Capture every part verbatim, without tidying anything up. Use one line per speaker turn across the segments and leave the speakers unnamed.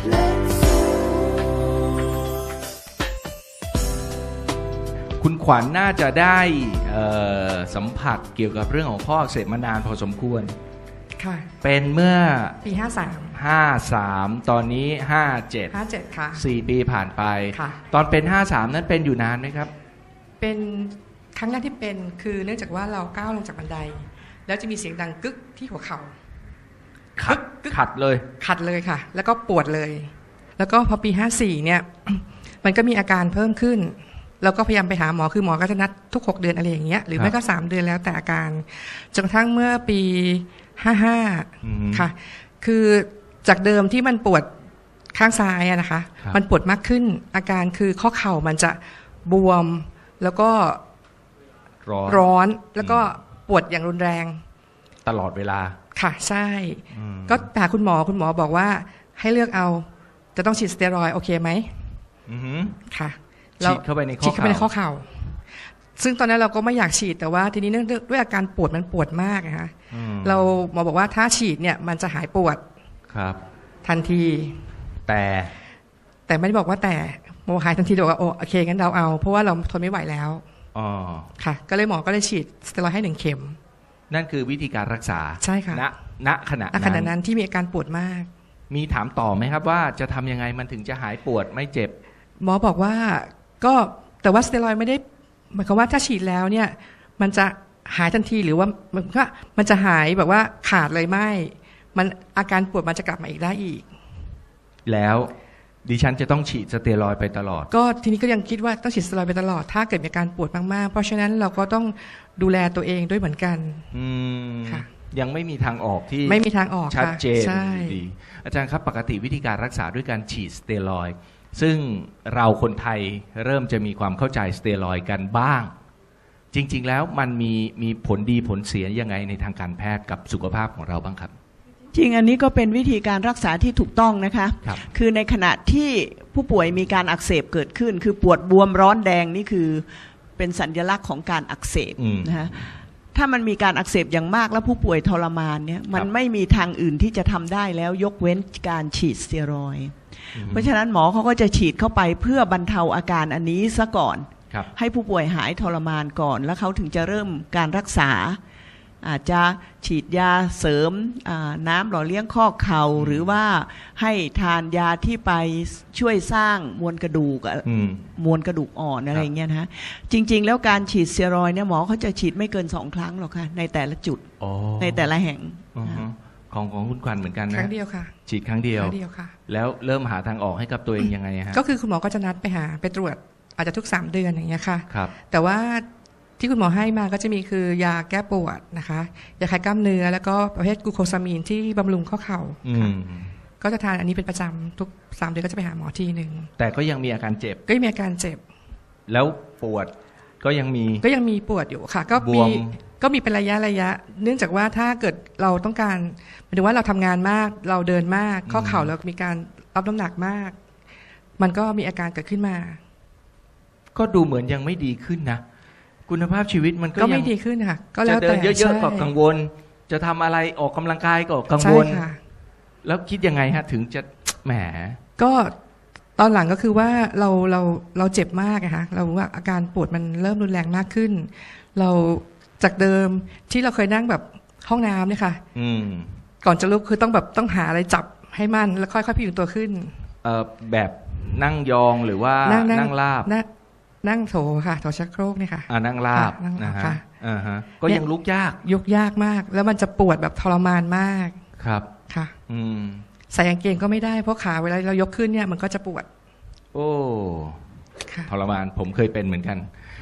คุณขวัญ น่าจะได้สัมผัสเกี่ยวกับเรื่องของข้ออักเสบมานานพอสมควร
ค่ะ
เป็นเมื่อ
ปีห้าสาม
ห้าสามตอนนี้ห้าเจ็ด
ห้าเจ็ดค่ะ
สี่ปีผ่านไป
ค่ะ
ตอนเป็นห้าสามนั้นเป็นอยู่นานไหมครับ
เป็นครั้งแรกที่เป็นคือเนื่องจากว่าเราก้าวลงจากบันไดแล้วจะมีเสียงดังกึกที่หัวเข่า
ขัดขัดเลย
ขัดเลยค่ะแล้วก็ปวดเลยแล้วก็พอปีห้าสี่เนี่ยมันก็มีอาการเพิ่มขึ้นเราก็พยายามไปหาหมอคือหมอก็จะนัดทุกหกเดือนอะไรอย่างเงี้ยหรือไม่ก็สามเดือนแล้วแต่อาการจนกระทั่งเมื่อปีห้าห้าค่ะคือจากเดิมที่มันปวดข้างซ้ายอะนะคะมันปวดมากขึ้นอาการคือข้อเข่ามันจะบวมแล้วก็ร้อนแล้วก็ปวดอย่างรุนแรง
ตลอดเวลา
ค่ะใช่ก็หาคุณหมอคุณหมอบอกว่าให้เลือกเอาจะต้องฉีดสเตียรอยด์โอเคไหมค่ะ
ฉีดเข้าไปในข้อเข่าฉีดเข้า
ไปในข้อเข่าซึ่งตอนนั้นเราก็ไม่อยากฉีดแต่ว่าทีนี้เนื่องด้วยอาการปวดมันปวดมากนะคะเราหมอบอกว่าถ้าฉีดเนี่ยมันจะหายปวด
ครับ
ทันที
แต่
แต่ไม่ได้บอกว่าแต่หมอหายทันทีบอกว่าโอเคงั้นเราเอาเพราะว่าเราทนไม่ไหวแล้ว
อ๋อ
ค่ะก็เลยหมอก็เลยฉีดสเตียรอยด์ให้หนึ่งเข็ม
นั่นคือวิธีการรักษา
ใช่ค่ะ
ณณขณะ
นั้นขณะนั้นที่มีอาการปวดมาก
มีถามต่อไหมครับว่าจะทำยังไงมันถึงจะหายปวดไม่เจ็บ
หมอบอกว่าก็แต่ว่าสเตียรอยด์ไม่ได้หมายความว่าถ้าฉีดแล้วเนี่ยมันจะหายทันทีหรือว่ามันก็มันจะหายแบบว่าขาดเลยไม่มันอาการปวดมันจะกลับมาอีกได้อีก
แล้วดิฉันจะต้องฉีดสเตียรอยด์ไปตลอด
ก็ทีนี้ก็ยังคิดว่าต้องฉีดสเตียรอยด์ไปตลอดถ้าเกิดมีอาการปวดมากๆเพราะฉะนั้นเราก็ต้องดูแลตัวเองด้วยเหมือนกัน
อืมค่ะยังไม่มีทางออกที่
ไม่มีทางออก
ชัดเจนดีอาจารย์ครับปกติวิธีการรักษาด้วยการฉีดสเตียรอยด์ซึ่งเราคนไทยเริ่มจะมีความเข้าใจสเตียรอยด์กันบ้างจริงๆแล้วมันมีมีผลดีผลเสียยังไงในทางการแพทย์กับสุขภาพของเราบ้างครับ
จริงอันนี้ก็เป็นวิธีการรักษาที่ถูกต้องนะคะคคือในขณะที่ผู้ป่วยมีการอักเสบเกิดขึ้นคือปวดบวมร้อนแดงนี่คือเป็นสัญลักษณ์ของการอักเสบนะคะถ้ามันมีการอักเสบอย่างมากแล้วผู้ป่วยทรมานเนี่ยมันไม่มีทางอื่นที่จะทำได้แล้วยกเว้นการฉีดสเตียรอยด์เพราะฉะนั้นหมอเขาก็จะฉีดเข้าไปเพื่อบรรเทาอาการอันนี้ซะก่อนให้ผู้ป่วยหายทรมานก่อนแล้วเขาถึงจะเริ่มการรักษาอาจจะฉีดยาเสริมน้ำหล่อเลี้ยงข้อเข่าหรือว่าให้ทานยาที่ไปช่วยสร้างมวลกระดูกมวลกระดูกอ่อนอะไรเงี้ยนะฮะจริงๆแล้วการฉีดสเตียรอยด์เนี่ยหมอเขาจะฉีดไม่เกินสองครั้งหรอกค่ะในแต่ละจุดในแต่ละแห่ง
ของของคุณขวัญเหมือนกันนะ
ครั้งเดียวค่ะ
ฉีดครั้งเดียว
ครั้งเดียวค่ะ
แล้วเริ่มหาทางออกให้กับตัวเองยังไงฮะ
ก็คือคุณหมอก็จะนัดไปหาไปตรวจอาจจะทุกสามเดือนอย่างเงี้ยค่ะ
ครับ
แต่ว่าที่คุณหมอให้มาก็จะมีคือยาแก้ปวดนะคะยาคลายกล้ามเนื้อแล้วก็ประเภทกลูโคซามีนที่บำรุงข้อเข่าค่ะก็จะทานอันนี้เป็นประจำทุกสามเดือนก็จะไปหาหมอทีหนึ่ง
แต่ก็ยังมีอาการเจ็บ
ก็ยังมีอาการเจ็บ
แล้วปวดก็ยังมี
ก็ยังมีปวดอยู่ค่ะก็มีก็มีเป็นระยะระยะเนื่องจากว่าถ้าเกิดเราต้องการหมายถึงว่าเราทำงานมากเราเดินมากข้อเข่าเรามีการรับน้ำหนักมากมันก็มีอาการเกิดขึ้นมา
ก็ดูเหมือนยังไม่ดีขึ้นนะคุณภาพชีวิตมันก็
ยังไม่ดีขึ้นค่ะก็แล้วแต่
จะเดินเยอะๆก็กังวลจะทำอะไรออกกำลังกายก็กังวลแล้วคิดยังไงฮะถึงจะแหม
ก็ตอนหลังก็คือว่าเราเราเราเจ็บมากอะค่ะเราว่าอาการปวดมันเริ่มรุนแรงมากขึ้นเราจากเดิมที่เราเคยนั่งแบบห้องน้ำเนี่ยค่ะก่อนจะลุกคือต้องแบบต้องหาอะไรจับให้มั่นแล้วค่อยๆพยุงตัวขึ้น
เอ่อแบบนั่งยองหรือว่านั่งราบ
นั่งโถค่ะโถชักโครกนี่ค่ะ
อ่านั่งราบนะฮะอ่าฮะก็ยังลุกยาก
ยกยากมากแล้วมันจะปวดแบบทรมานมาก
ครับ
ค่ะ
อืม
ใส่กางเกงก็ไม่ได้เพราะขาเวลาเรายกขึ้นเนี่ยมันก็จะปวด
โอ้ทรมานผมเคยเป็นเหมือนกัน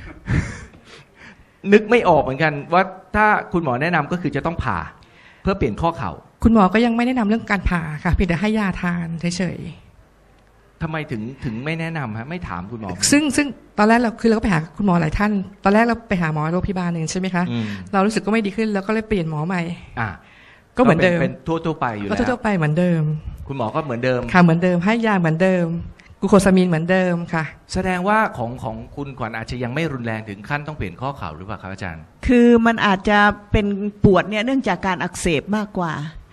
นึกไม่ออกเหมือนกันว่าถ้าคุณหมอแนะนำก็คือจะต้องผ่าเพื่อเปลี่ยนข้อเข่า
คุณหมอก็ยังไม่แนะนำเรื่องการผ่าค่ะเพียงแต่ให้ยาทานเฉย
ทำไมถึงถึงไม่แนะนำฮะไม่ถามคุณหมอ
ซึ่งซึ่งตอนแรกเราคือเราก็ไปหาคุณหมอหลายท่านตอนแรกเราไปหาหมอโรงพยาบาลหนึ่งใช่ไหมคะเรารู้สึกก็ไม่ดีขึ้นแล้วก็เลยเปลี่ยนหมอใหม่
อ่ะ
ก็เหมือนเดิม
เป็นทั่วๆไปอยู่แล้ว
ทั่วๆไปเหมือนเดิม
คุณหมอก็เหมือนเดิม
ค่ะเหมือนเดิมให้ยาเหมือนเดิมกลูโคซามีนเหมือนเดิมค่ะ
แสดงว่าของของคุณขวัญอาจจะยังไม่รุนแรงถึงขั้นต้องเปลี่ยนข้อเข่าหรือเปล่าครับอาจารย์
คือมันอาจจะเป็นปวดเนี่ยเนื่องจากการอักเสบมากกว่า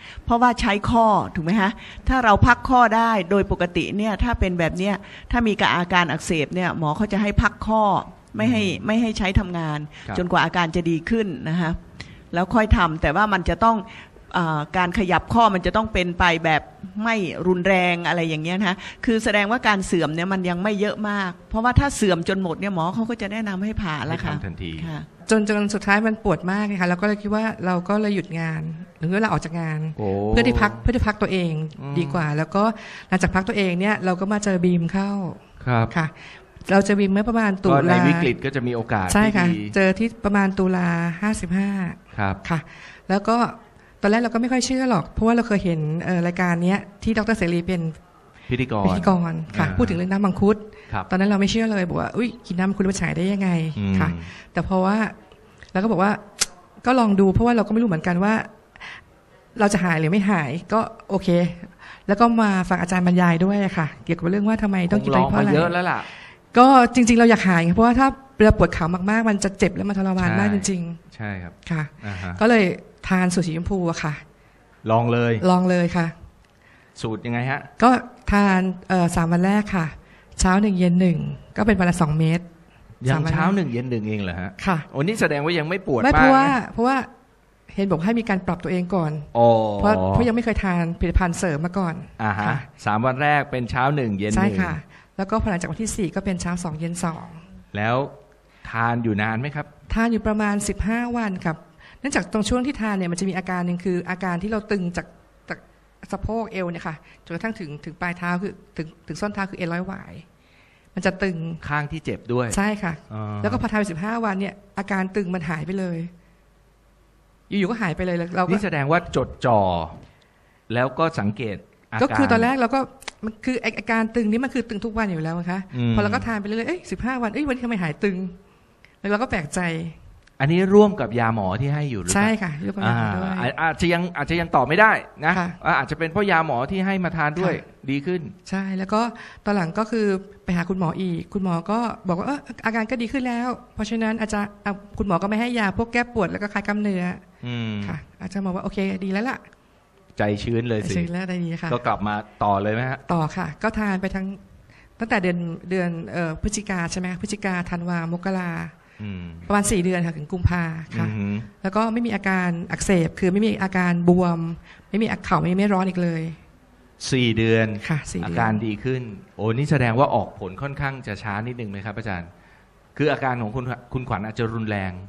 เพราะว่าใช้ข้อถูกไหมฮะถ้าเราพักข้อได้โดยปกติเนี่ยถ้าเป็นแบบเนี้ยถ้ามีอาการอักเสบเนี่ยหมอเขาจะให้พักข้อไม่ให้ไม่ให้ใช้ทำงานจนกว่าอาการจะดีขึ้นนะฮะแล้วค่อยทำแต่ว่ามันจะต้องอาการขยับข้อมันจะต้องเป็นไปแบบไม่รุนแรงอะไรอย่างเงี้ยนะคือแสดงว่าการเสื่อมเนี่ยมันยังไม่เยอะมากเพราะว่าถ้าเสื่อมจนหมดเนี่ยหมอเขาก็จะแนะนำให้ผ่าแล้วค่ะ
ทันที
จนจนสุดท้ายมันปวดมากเลยค่ะเราก็เลยคิดว่าเราก็เลยหยุดงานหรือว่าเราออกจากงานเพื่อที่พักเพื่อที่พักตัวเองดีกว่าแล้วก็หลังจากพักตัวเองเนี่ยเราก็มาเจอบีมเข้าค่ะเราจะบีมเมื่อประมาณตุลา
ในวิกฤตก็จะมีโอกาส
ใช่ค่ะเจอที่ประมาณตุลาห้าสิบห้า
ครับ
ค่ะแล้วก็ตอนแรกเราก็ไม่ค่อยเชื่อหรอกเพราะว่าเราเคยเห็นรายการนี้ที่ดร.เสรีเป็น
พิธีกร
พิธีกรค่ะพูดถึงเรื่องน้ำมังคุดตอนนั้นเราไม่เชื่อเลยบอกว่าอุ้ยกินน้ำมังคุดมันฉายได้ยังไงค่ะแต่เพราะว่าเราก็บอกว่าก็ลองดูเพราะว่าเราก็ไม่รู้เหมือนกันว่าเราจะหายหรือไม่หายก็โอเคแล้วก็มาฟังอาจารย์บรรยายด้วยค่ะเกี่ยวกับเรื่องว่าทำไมต้องกินไปเพราะอะไร
เยอะแล้วล่ะ
ก็จริงๆเราอยากหายเพราะว่าถ้าเราปวดขามากๆมันจะเจ็บและมันทรมานมากจริง
ๆใช่ครับ
ค่ะก็เลยทานสูตรสีชมพูอะค่ะ
ลองเลย
ลองเลยค่ะ
สูตรยังไงฮะ
ก็ทานเอ่อสามวันแรกค่ะเช้าหนึ่งเย็นหนึ่งก็เป็นวันละสองเม็ด
ยังเช้าหนึ่งเย็นหนึ่งเองเหรอฮะ
ค่ะ
โอ้นี่แสดงว่ายังไม่ปวด
ไม่เพราะว่าเพราะว่าเห็นบอกให้มีการปรับตัวเองก่อนเพราะเพราะยังไม่เคยทานผลิตภัณฑ์เสริมมาก่อน
อ่าฮะสามวันแรกเป็นเช้าหนึ่งเย็นหนึ่ง
ใช่ค่ะแล้วก็พอหลังจากวันที่สี่ก็เป็นเช้าสองเย็นสอง
แล้วทานอยู่นานไหมครับ
ทานอยู่ประมาณสิบห้าวันครับเนื่องจากตรงช่วงที่ทานเนี่ยมันจะมีอาการหนึ่งคืออาการที่เราตึงจากจากสะโพกเอวเนี่ยค่ะจนกระทั่งถึงถึงปลายเท้าคือถึงถึงส้นเท้าคือเอ็นร้อยหวายมันจะตึง
ข้างที่เจ็บด้วย
ใช่ค่ะแล้วก็พอทานไปสิบห้าวันเนี่ยอาการตึงมันหายไปเลยอยู่ๆก็หายไปเลยเราก็
นี่แสดงว่าจดจ่อแล้วก็สังเกตอาการ
ก็คือตอนแรกเราก็มันคืออาการตึงนี้มันคือตึงทุกวันอยู่แล้วนะคะพอเราก็ทานไปเรื่อยๆเอ้ยสิบห้าวันเอ้ยวันนี้ทำไมหายตึงแล้วเราก็แปลกใจ
อันนี้ร่วมกับยาหมอที่ให้อยู่หรือเปล่า
ใช่ค่ะร่วมกับยาหมอด้วย
อาจจะยังอาจจะยังตอบไม่ได้นะอาจจะเป็นเพราะยาหมอที่ให้มาทานด้วยดีขึ้น
ใช่แล้วก็ตอนหลังก็คือไปหาคุณหมออีกคุณหมอก็บอกว่าเอออาการก็ดีขึ้นแล้วเพราะฉะนั้นอาจจะคุณหมอก็ไม่ให้ยาพวกแก้ปวดแล้วก็คลายกล้ามเนื้อค่ะอาจจะบอกว่าโอเคดีแล้วล่ะ
ใจชื้นเลยสิ
ชื้นแล้วได้ดีค่ะ
ก็กลับมาต่อเลยไหมฮะ
ต่อค่ะก็ทานไปทั้งตั้งแต่เดือนเดือนพฤศจิกาใช่ไหมพฤศจิกาธันวามกราประมาณสี่เดือนค่ะถึงกุมภาค่ะแล้วก็ไม่มีอาการอักเสบคือไม่มีอาการบวมไม่มีเข่าไม่ไม่ร้อนอีกเลย
สี่เดือน
ค่ะสี่เดือน
อาการดีขึ้นโอ้นี่แสดงว่าออกผลค่อนข้างจะช้านิดนึงไหมครับอาจารย์คืออาการของคุณคุณขวัญอาจจะรุนแรง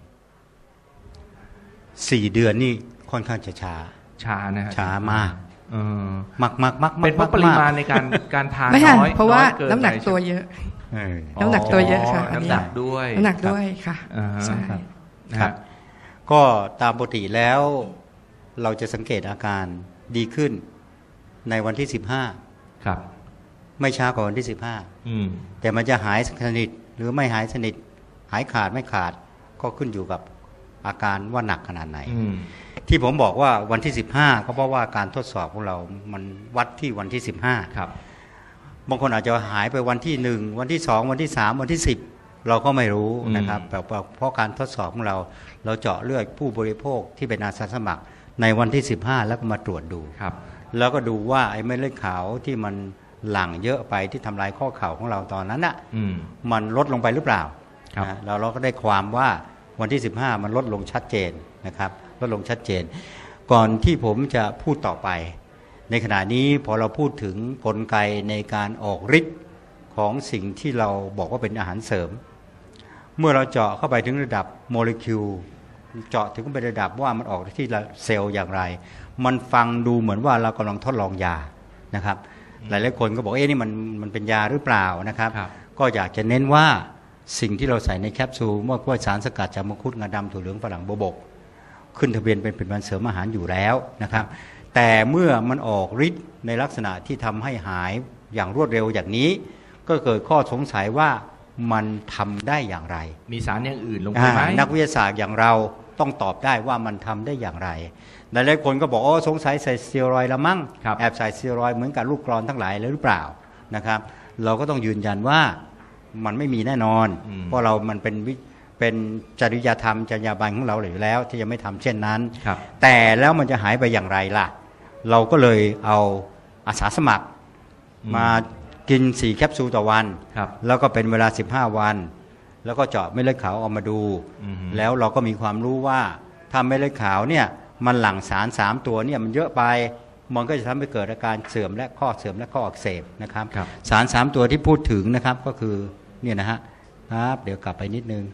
สี่เดือนนี่ค่อนข้างจะช้า
ช้านะฮะ
ช้ามากมากมากมาก
เป็นเพราะปริมาณในการการทานน้อย
เพราะว่าน้ำหนักตัวเยอะน้ำหนักตัวเยอะค่ะ
น้ำหนักด้วย
น้ำหนักด้วยค่ะใช่
ครับก็ตามปกติแล้วเราจะสังเกตอาการดีขึ้นในวันที่สิบห้า
ครับ
ไม่ช้ากว่าวันที่สิบห้าแต่มันจะหายสนิทหรือไม่หายสนิทหายขาดไม่ขาดก็ขึ้นอยู่กับอาการว่าหนักขนาดไหนที่ผมบอกว่าวันที่สิบห้าก็เพราะว่าการทดสอบของเรามันวัดที่วันที่สิบห้า
ครับ
บางคนอาจจะหายไปวันที่หนึ่งวันที่สองวันที่สามวันที่สิบเราก็ไม่รู้นะครับแต่เพราะการทดสอบของเราเราเจาะเลือดผู้บริโภคที่เป็นอาสาสมัครในวันที่สิบห้าแล้วก็มาตรวจดู
ครับ
แล้วก็ดูว่าไอ้เม็ดเลือดขาวที่มันหลั่งเยอะไปที่ทำลายข้อเข่าของเราตอนนั้นอ่ะมันลดลงไปหรือเปล่าเราเราก็ได้ความว่าวันที่สิบห้ามันลดลงชัดเจนนะครับลดลงชัดเจนก่อนที่ผมจะพูดต่อไปในขณะนี้พอเราพูดถึงกลไกในการออกฤทธิ์ของสิ่งที่เราบอกว่าเป็นอาหารเสริมเมื่อเราเจาะเข้าไปถึงระดับโมเลกุลเจาะถึงไประดับว่ามันออกที่เซลล์อย่างไรมันฟังดูเหมือนว่าเรากำลังทดลองยานะครับหลายๆคนก็บอกเอ๊ะนี่มันมันเป็นยาหรือเปล่านะครับก็อยากจะเน้นว่าสิ่งที่เราใส่ในแคปซูลเมื่อว่าสารสกัดจากมังคุดงาดำถั่วเหลืองฝรั่งโบวบกขึ้นทะเบียนเป็นผลิตภัณฑ์เสริมอาหารอยู่แล้วนะครับแต่เมื่อมันออกฤทธิ์ในลักษณะที่ทำให้หายอย่างรวดเร็วอย่างนี้ก็เกิดข้อสงสัยว่ามันทำได้อย่างไร
มีสารอย่างอื่นลงไปไหม
นักวิทยาศาสตร์อย่างเราต้องตอบได้ว่ามันทำได้อย่างไรหลายๆคนก็บอกโอ้สงสัยใส่สเตียรอยด์ละมั้งแอบใส่สเตียรอยด์เหมือนกับลูกกรอนทั้งหลายเลยหรือเปล่านะครับเราก็ต้องยืนยันว่ามันไม่มีแน่นอนเพราะเรามันเป็นเป็นจริยธรรมจรรยาบรรณของเราอยู่แล้วที่จะไม่ทำเช่นนั้นแต่แล้วมันจะหายไปอย่างไรล่ะเราก็เลยเอาอาสาสมัครมากินสี่แคปซูลต่อวันแล้วก็เป็นเวลาสิบห้าวันแล้วก็เจาะเม็ดเลือดขาวออกมาดูแล้วเราก็มีความรู้ว่าถ้าเม็ดเลือดขาวเนี่ยมันหลั่งสารสามตัวเนี่ยมันเยอะไปมันก็จะทำให้เกิดอาการเสื่อมและข้อเสื่อมและข้ออักเสบนะครับสารสามตัวที่พูดถึงนะครับก็คือเนี่ยนะฮะครับเดี๋ยวกลับไปนิดนึง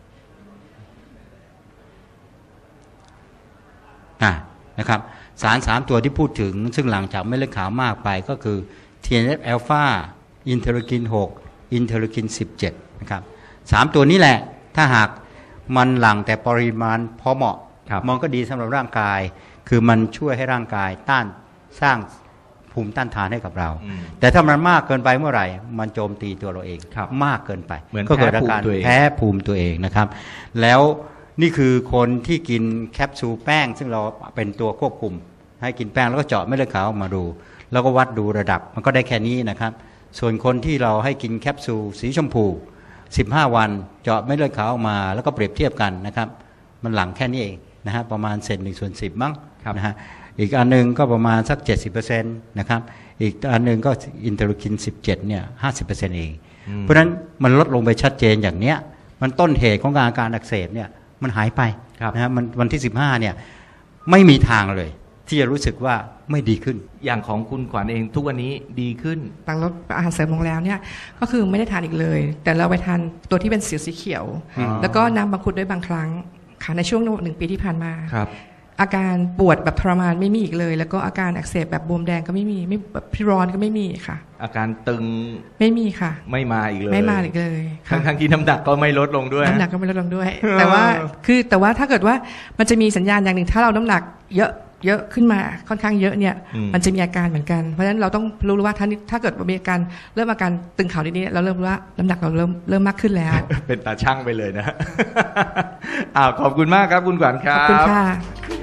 นะครับสารสามตัวที่พูดถึงซึ่งหลังจากเม็ดเลือดขาวมากไปก็คือ ที เอ็น เอฟ อัลฟา อินเทอร์คินหก อินเทอร์คินสิบเจ็ดนะครับสามตัวนี้แหละถ้าหากมันหลั่งแต่ปริมาณพอเหมาะมันก็ดีสำหรับร่างกายคือมันช่วยให้ร่างกายต้านสร้างภูมิต้านทานให้กับเราแต่ถ้ามันมากเกินไปเมื่อไหร่มันโจมตีตัวเราเองมากเกินไปก็เกิดอาการแพ้ภูมิตัวเองนะครับแล้วนี่คือคนที่กินแคปซูลแป้งซึ่งเราเป็นตัวควบคุมให้กินแป้งแล้วก็เจาะเม็ดเลือดขาวออกมาดูแล้วก็วัดดูระดับมันก็ได้แค่นี้นะครับส่วนคนที่เราให้กินแคปซูลสีชมพูสิบห้าวันเจาะเม็ดเลือดขาวออกมาแล้วก็เปรียบเทียบกันนะครับมันหลังแค่นี้เองนะฮะประมาณเซนหนึ่งส่วนสิบมั้งนะฮะอีกอันนึงก็ประมาณสัก เจ็ดสิบเปอร์เซ็นต์ นะครับอีกอันนึงก็อินเทอร์คินสิบเจ็ดเนี่ย ห้าสิบเปอร์เซ็นต์ เองเพราะฉะนั้นมันลดลงไปชัดเจนอย่างเนี้ยมันต้นเหตุของอาการอักเสบเนี่ยมันหายไปนะฮะมันวันที่สิบห้าเนี่ยไม่มีทางเลยที่จะรู้สึกว่าไม่ดีขึ้น
อย่างของคุณขวัญเองทุกวันนี้ดีขึ้น
หลังลดอาหารเสริมลงแล้วเนี่ยก็คือไม่ได้ทานอีกเลยแต่เราไปทานตัวที่เป็นสีสีเขียวแล้วก็น้ำมังคุดด้วยบางครั้งค่ะในช่วงหนึ่งปีที่ผ่านมาอาการปวดแบบทรมานไม่มีอีกเลยแล้วก็อาการอักเสบแบบบวมแดงก็ไม่มีไม่แบบพิร้อนก็ไม่มีค่ะ
อาการตึง
ไม่มีค่ะ
ไม่มาอีกเลย
ไม่มาอีกเลย
ทั้งที่น้ำหนักก็ไม่ลดลงด้วย
น้ำหนักก็ไม่ลดลงด้วยแต่ว่าคือแต่ว่าถ้าเกิดว่ามันจะมีสัญญาณอย่างหนึ่งถ้าเราน้ำหนักเยอะเยอะขึ้นมาค่อนข้างเยอะเนี่ยมันจะมีอาการเหมือนกันเพราะฉะนั้นเราต้องรู้ว่าถ้าถ้าเกิดมีอาการเริ่มอาการตึงเข่านิดๆเราเริ่มรู้ว่าน้ำหนักเราเริ่มเริ่มมากขึ้นแล้ว
เป็นตาช่างไปเลยนะอ้าวขอบคุณมากครับคุณขวัญครับ
ขอบคุณค่ะ